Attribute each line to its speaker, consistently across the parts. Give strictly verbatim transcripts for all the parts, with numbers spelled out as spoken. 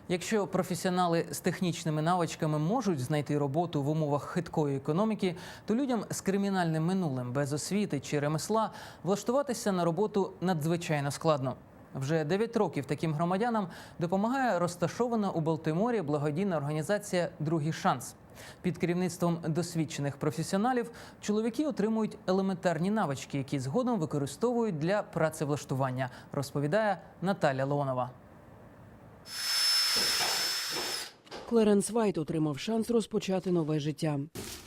Speaker 1: Якщо професіонали з технічними навичками можуть знайти роботу в умовах хиткої економіки, то людям з кримінальним минулим, без освіти чи ремесла влаштуватися на роботу надзвичайно складно. Вже дев'ять років таким громадянам допомагає розташована у Балтиморі благодійна організація «Другий шанс». Під керівництвом досвідчених професіоналів чоловіки отримують елементарні навички, які згодом використовують для працевлаштування, розповідає Наталя Леонова.
Speaker 2: Клеренс Вайт отримав шанс розпочати нове життя.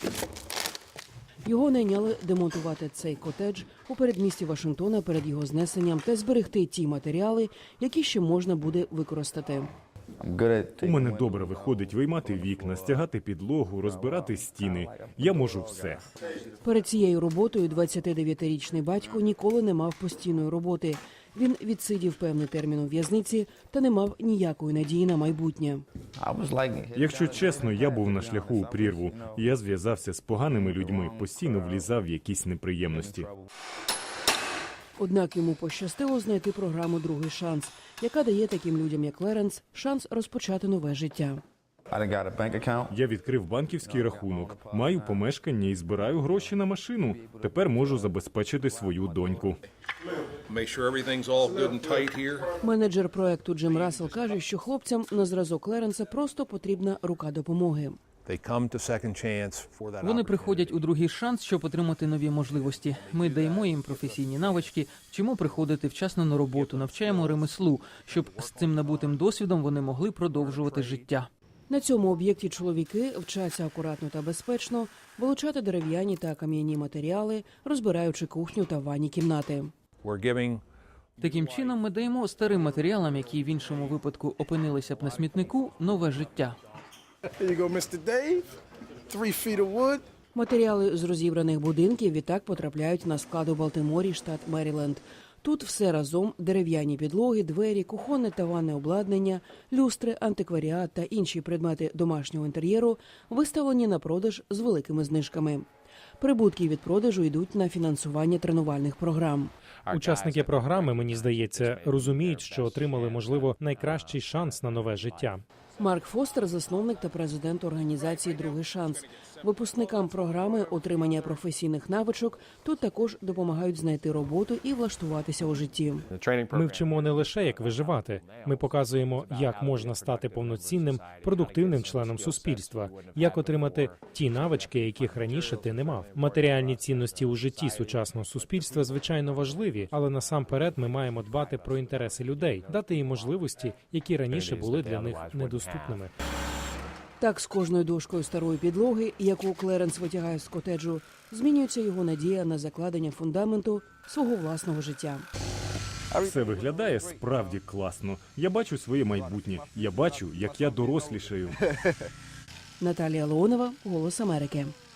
Speaker 2: Його найняли демонтувати цей котедж у передмісті Вашингтона перед його знесенням та зберегти ті матеріали, які ще можна буде використати.
Speaker 3: У мене добре виходить виймати вікна, стягати підлогу, розбирати стіни. Я можу все.
Speaker 2: Перед цією роботою двадцятидев'ятирічний батько ніколи не мав постійної роботи. Він відсидів певний термін у в'язниці та не мав ніякої надії на майбутнє.
Speaker 3: Якщо чесно, я був на шляху у прірву. Я зв'язався з поганими людьми, постійно влізав в якісь неприємності.
Speaker 2: Однак йому пощастило знайти програму «Другий шанс», яка дає таким людям, як Клеренс, шанс розпочати нове життя.
Speaker 3: Я відкрив банківський рахунок, маю помешкання і збираю гроші на машину. Тепер можу забезпечити свою доньку.
Speaker 2: Менеджер проекту Джим Рассел каже, що хлопцям на зразок Клеренса просто потрібна рука допомоги.
Speaker 1: Вони приходять у другий шанс, щоб отримати нові можливості. Ми даємо їм професійні навички, вчимо приходити вчасно на роботу, навчаємо ремеслу, щоб з цим набутим досвідом вони могли продовжувати життя.
Speaker 2: На цьому об'єкті чоловіки вчаться акуратно та безпечно вилучати дерев'яні та кам'яні матеріали, розбираючи кухню та ванні кімнати.
Speaker 1: Таким чином ми даємо старим матеріалам, які в іншому випадку опинилися б на смітнику, нове життя.
Speaker 2: Матеріали з розібраних будинків відтак потрапляють на склад у Балтиморі, штат Меріленд. Тут все разом – дерев'яні підлоги, двері, кухонне та ванне обладнання, люстри, антикваріат та інші предмети домашнього інтер'єру виставлені на продаж з великими знижками. Прибутки від продажу йдуть на фінансування тренувальних програм.
Speaker 4: Учасники програми, мені здається, розуміють, що отримали, можливо, найкращий шанс на нове життя.
Speaker 2: Марк Фостер – засновник та президент організації «Другий шанс». Випускникам програми отримання професійних навичок тут також допомагають знайти роботу і влаштуватися у житті.
Speaker 4: Ми вчимо не лише, як виживати. Ми показуємо, як можна стати повноцінним, продуктивним членом суспільства, як отримати ті навички, яких раніше ти не мав. Матеріальні цінності у житті сучасного суспільства, звичайно, важливі, але насамперед ми маємо дбати про інтереси людей, дати їм можливості, які раніше були для них недоступними.
Speaker 2: Так, з кожною дошкою старої підлоги, яку Клеренс витягає з котеджу, змінюється його надія на закладення фундаменту свого власного життя.
Speaker 3: Все виглядає справді класно. Я бачу своє майбутнє. Я бачу, як я дорослішаю.
Speaker 2: Наталія Леонова, «Голос Америки».